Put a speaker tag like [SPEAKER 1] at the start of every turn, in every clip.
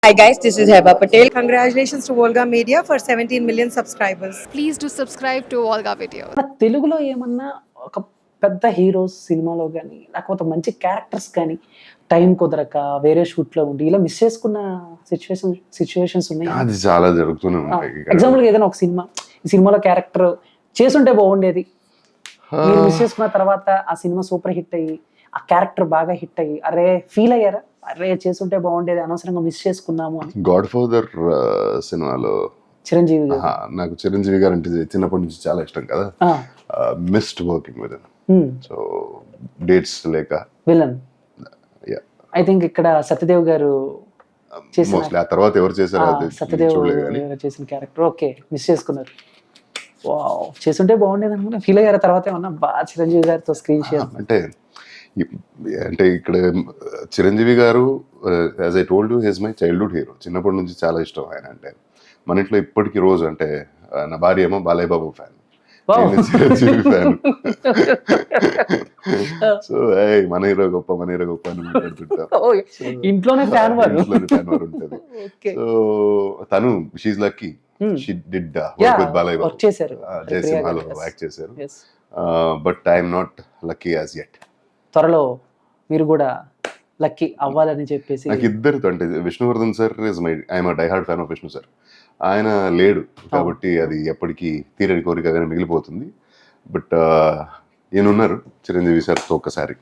[SPEAKER 1] Hi guys, this is Heba Patel. Congratulations to Volga Media for 17 million subscribers.
[SPEAKER 2] Please do subscribe to Volga Video.
[SPEAKER 3] మన తెలుగులో ఏమన్నా ఒక పెద్ద heroes సినిమాలో కానీ లేకపోతే మంచి క్యారెక్టర్స్ కానీ టైం కుదరక వేరే షూట్లో ఉండి ఇలా మిస్ చేసుకున్న సిచ్యువేషన్స్ ఉన్నాయి.
[SPEAKER 4] అది చాలా జరుగుతూనే ఉంటాయి.
[SPEAKER 3] ఎగ్జాంపుల్గా ఏదైనా ఒక సినిమా, ఈ సినిమాలో క్యారెక్టర్ చేసుంటే బాగుండేది, మీరు మిస్ చేసుకున్న తర్వాత ఆ సినిమా సూపర్ హిట్ అయ్యి ఆ క్యారెక్టర్ బాగా హిట్ అయ్యి అరే ఫీల్ అయ్యారా, అరే చేసుంటే బాగుండేది అనవసరంగా మిస్ చేసుకున్నాము అని?
[SPEAKER 4] గాడ్ ఫాదర్ సినిమాలో
[SPEAKER 3] చిరంజీవి గారు.
[SPEAKER 4] నాకు చిరంజీవి గారు అంటే చిన్నప్పటి నుంచి చాలా ఇష్టం కదా. Missed working with so dates లేక
[SPEAKER 3] విలన్ ఐ థింక్ ఇక్కడ సత్యదేవ్ గారు
[SPEAKER 4] మోస్ట్లీ ఆ తర్వాత ఎవరు చేశారో
[SPEAKER 3] సత్యదేవ్ గారు చేసిన క్యారెక్టర్ ఓకే మిస్ చేసుకున్నారు. వావ్, చేసుంటే బాగుండేది అనుకున్నా ఫీల్ అయ్యారు. తర్వాత ఏమన్నా బాగా చిరంజీవి గారితో స్క్రీన్ షేర్
[SPEAKER 4] అంటే ఇక్కడ Chiranjeevi garu as I told you his my childhood hero. చిన్నప్పటి నుంచి చాలా ఇష్టం ఆయన అంటే. మన ఇంట్లో ఇప్పటికీ రోజు అంటే నా భార్య ఏమో Balayya Babu fan, Chiranjeevi fan. So మన హీరో గొప్ప అని మాట్లాడుతుంటాం.
[SPEAKER 3] ఇంట్లోనే ఫ్యాన్ వారు
[SPEAKER 4] ఉంటుంది. సో తను she's lucky she did work with Balayya Babu, జయసింహాలో యాక్ట్ చేశారు. But I'm not lucky as yet.
[SPEAKER 3] త్వరలో మీరు కూడా లక్కీ అవ్వాలని చెప్పేసి
[SPEAKER 4] నాకు ఇద్దరితో అంటే Vishnuvardhan sir is my I'm die hard fan of Vishnu sir. ఆయన లేడు కాబట్టి అది ఎప్పటికీ తీరని కోరికగానే మిగిలిపోతుంది. బట్ ఈయనున్నారు చిరంజీవి సార్తో ఒక్కసారి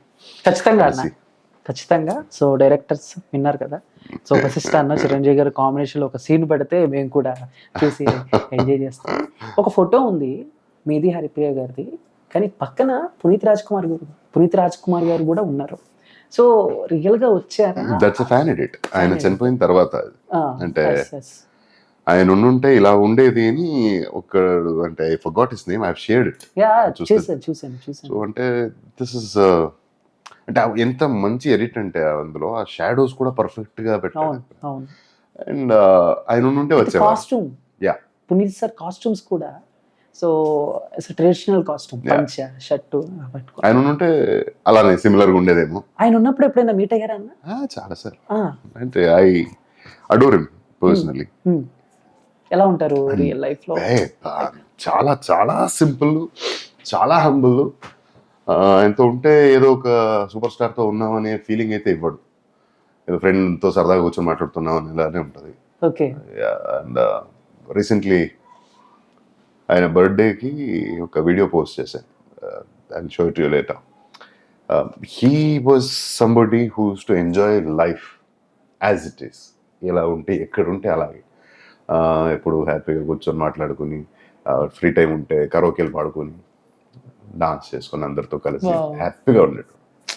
[SPEAKER 3] ఖచ్చితంగా. సో డైరెక్టర్స్ విన్నారు కదా, సో వశిష్ఠ అన్న చిరంజీవి గారు కాంబినేషన్లో ఒక సీన్ పెడితే మేము కూడా చూసి ఎంజాయ్ చేస్తాం. ఒక ఫోటో ఉంది మీది హరిప్రియ గారిది, కానీ పక్కన పునీత్ రాజ్ కుమార్ గారు కూడా ఉన్నారు. సో రియల్ గా వచ్చారా?
[SPEAKER 4] That's a fan edit. ఆయన చనిపోయిన తర్వాత అంటే ఆయన ఉండుంటే ఇలా ఉండేది అని ఒక అంటే I forgot his name, I have shared it.
[SPEAKER 3] చూసాను.
[SPEAKER 4] సో అంటే దిస్ ఇస్ అంటే ఎంత మంచి ఎడిట్ అంటే అందులో ఆ షాడోస్ కూడా పర్ఫెక్ట్ గా పెట్టారు. అండ్ ఆయన ఉండుంటే వచ్చే
[SPEAKER 3] కాస్ట్యూమ్, పునీత్ సార్ కాస్ట్యూమ్స్ కూడా సో ట్రెడిషనల్ కాస్ట్యూమ్, పంచ షర్టు పట్టుకో.
[SPEAKER 4] ఆయన ఉంటే అలానే సిమిలర్ గా ఉండేదేమో.
[SPEAKER 3] ఆయన ఉన్నప్పుడు ఎప్పుడైనా మీట్ అయ్యారా అన్న?
[SPEAKER 4] చాలా సార్. అంటే ఐ అడోర్ హిమ్ పర్సనల్లీ.
[SPEAKER 3] ఎలా ఉంటారు రియల్ లైఫ్ లో?
[SPEAKER 4] చాలా చాలా సింపుల్, చాలా హంబుల్. ఆయనతో ఉంటే ఏదో ఒక సూపర్ స్టార్ తో ఉన్నామనే ఫీలింగ్ అయితే ఇవ్వడు. ఏదో ఫ్రెండ్ తో సరదాగా కూర్చొని మాట్లాడుతున్నాం అని ఇలానే ఉంటది.
[SPEAKER 3] ఓకే.
[SPEAKER 4] అండ్ రీసెంట్లీ ఆయన బర్త్డేకి ఒక వీడియో పోస్ట్ చేశాను. I'll show it you later. He was somebody who used to enjoy life as it is. ఎలా ఉంటే ఎక్కడ ఉంటే అలాగే ఎప్పుడు హ్యాపీగా కూర్చొని మాట్లాడుకుని, ఫ్రీ టైం ఉంటే కరోకేలు పాడుకొని డాన్స్ చేసుకొని అందరితో కలిసి హ్యాపీగా ఉండేటు.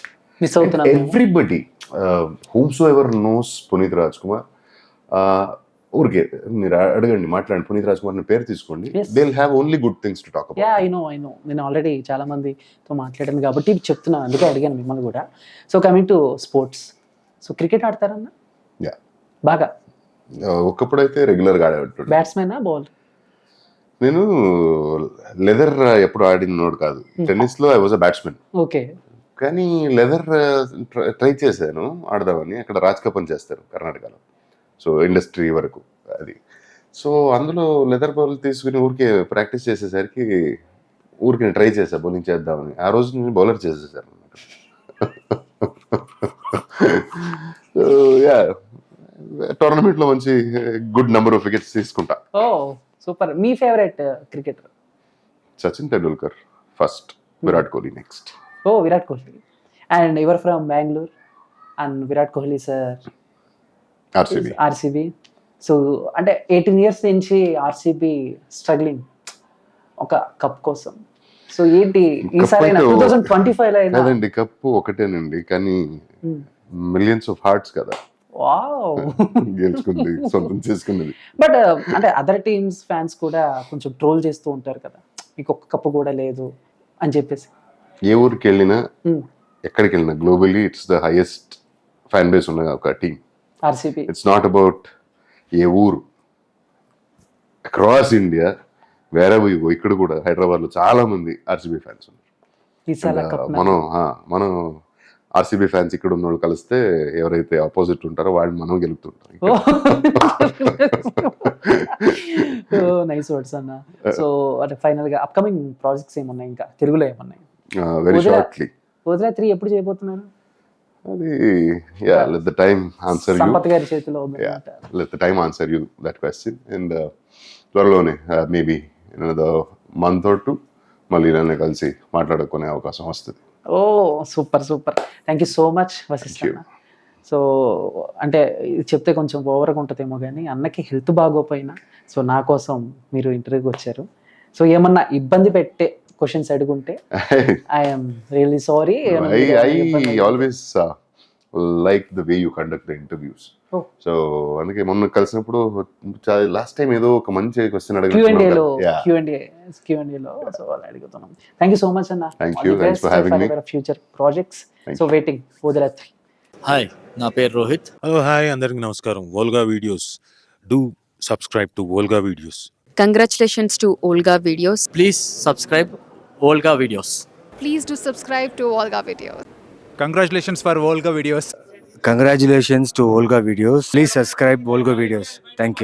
[SPEAKER 4] Everybody whomsoever knows Puneeth Raj Kumar, ఊరికే మీరు అడగండి, మాట్లాడండి, పునీత్ రాజ్ కుమార్ పేరు తీసుకోండి, they will have only good things to talk about.
[SPEAKER 3] I know నేను ఆల్రెడీ చాలా మందితో మాట్లాడాను కాబట్టి చెప్తున్నాను, అందుకే అడిగాను మిమ్మల్ని కూడా. So coming to sports, so cricket ఆడతారన్నా? బాగా
[SPEAKER 4] ఒకప్పుడైతే రెగ్యులర్ గా ఆడేవాడు.
[SPEAKER 3] బ్యాట్స్మెనా బౌలర్?
[SPEAKER 4] నేను లెదర్ ఎప్పుడు ఆడినోడు కాదు. టెన్నిస్ లో I was a batsmen.
[SPEAKER 3] Okay.
[SPEAKER 4] కానీ లెదర్ ట్రై చేశాను ఆడదామని. అక్కడ రాజ్ కప్ చేస్తారు కర్ణాటకలో, సో ఇండస్ట్రీ వరకు అది. సో అందులో లెదర్ బాల్ తీసుకుని ఊరికే ప్రాక్టీస్ చేసేసరికి ఊరికి ట్రై చేశా బౌలింగ్ చేద్దామని. ఆ రోజు నేను బౌలర్ చేసేసాను. టోర్నమెంట్ లో మంచి గుడ్ నెంబర్ ఆఫ్ వికెట్స్ తీసుకుంటా.
[SPEAKER 3] Oh super. మీ favourite cricketer?
[SPEAKER 4] Sachin Tendulkar first, Virat Kohli next.
[SPEAKER 3] Oh Virat Kohli. And your from Bengaluru and Virat Kohli sir RCB. So అంటే 18 years నుంచి ఆర్సీబీ స్ట్రగ్లింగ్ ఒక కప్ కోసం. సో ఏంటి ఈసారి 2025 లో
[SPEAKER 4] కాదండి, కప్పు ఒకటేనండి కానీ మిలియన్స్ ఆఫ్ హార్ట్స్ కదా.
[SPEAKER 3] వావ్,
[SPEAKER 4] గెలుచుకుంది, సొంతం చేసుకున్నది.
[SPEAKER 3] బట్ అంటే అదర్ టీమ్స్ ఫ్యాన్స్ కూడా కొంచెం ట్రోల్ చేస్తూ ఉంటారు కదా, మీకు ఒక్క కప్పు కూడా లేదు అని చెప్పేసి.
[SPEAKER 4] ఏ ఊరికి వెళ్ళినా ఎక్కడికి వెళ్ళినా globally it's the highest fan base ఉన్న ఒక team
[SPEAKER 3] RCB.
[SPEAKER 4] It's not about ఏ ఊరు, అక్రాస్ ఇండియా వేరే ఇక్కడ కూడా హైదరాబాద్ లో చాలా మంది ఆర్సీబీ ఫ్యాన్స్ ఉన్నారు. మనం ఆర్సీబీ ఫ్యాన్స్ ఇక్కడ ఉన్న వాళ్ళు కలిస్తే ఎవరైతే ఆపోజిట్ ఉంటారో వాళ్ళు మనం గెలుపుతుంటాం.
[SPEAKER 3] నైస్ వర్డ్స్ అన్న. సో అంటే ఫైనల్ గా అప్కమింగ్ ప్రాజెక్ట్స్ ఏమన్నాయి, ఇంకా తెలుగులో ఏమన్నాయి?
[SPEAKER 4] Very shortly.
[SPEAKER 3] వదిలే 3 ఎప్పుడు చేయబోతున్నారు?
[SPEAKER 4] అది let the time answer you.
[SPEAKER 3] Sampath గారి చేతిలో ఉంది.
[SPEAKER 4] Let the time answer you that question. And త్వరలోనే maybe in another month or 2 మళ్ళీ నన్ను కలిసి మాట్లాడుకునే అవకాశం వస్తుంది.
[SPEAKER 3] Oh super super, thank you so much Vasishta. So అంటే ఇది చెప్తే కొంచెం ఓవర్గా ఉంటుందేమో కానీ అన్నకి హెల్త్ బాగోపోయినా సో నా కోసం మీరు ఇంటర్వ్యూకి వచ్చారు. సో ఏమన్నా ఇబ్బంది పెట్టే క్వశ్చన్స్ అడుగుంటే I'm really sorry.
[SPEAKER 4] I always like the way you conduct the interviews. So అందుకే మొన్న కలిసినప్పుడు లాస్ట్ టైం ఏదో ఒక మంచి క్వశ్చన్
[SPEAKER 3] Q&Aలో సో అలా అడుగుతున్నాం. థ్యాంక్ యూ సో మచ్ అన్న.
[SPEAKER 4] Thank you. Thanks for having me.
[SPEAKER 3] Future projects. So waiting వదిలే 3.
[SPEAKER 5] హాయ్, నా పేరు రోహిత్.
[SPEAKER 6] హలో హాయ్, అందరికి నమస్కారం. Volga videos, do subscribe to Volga videos.
[SPEAKER 7] Congratulations to Olga Videos.
[SPEAKER 5] Please subscribe Olga videos.
[SPEAKER 2] Please do subscribe to Volga Videos.
[SPEAKER 8] Congratulations for Volga Videos.
[SPEAKER 9] Congratulations to Volga Videos. Please subscribe Volga Videos. Thank you.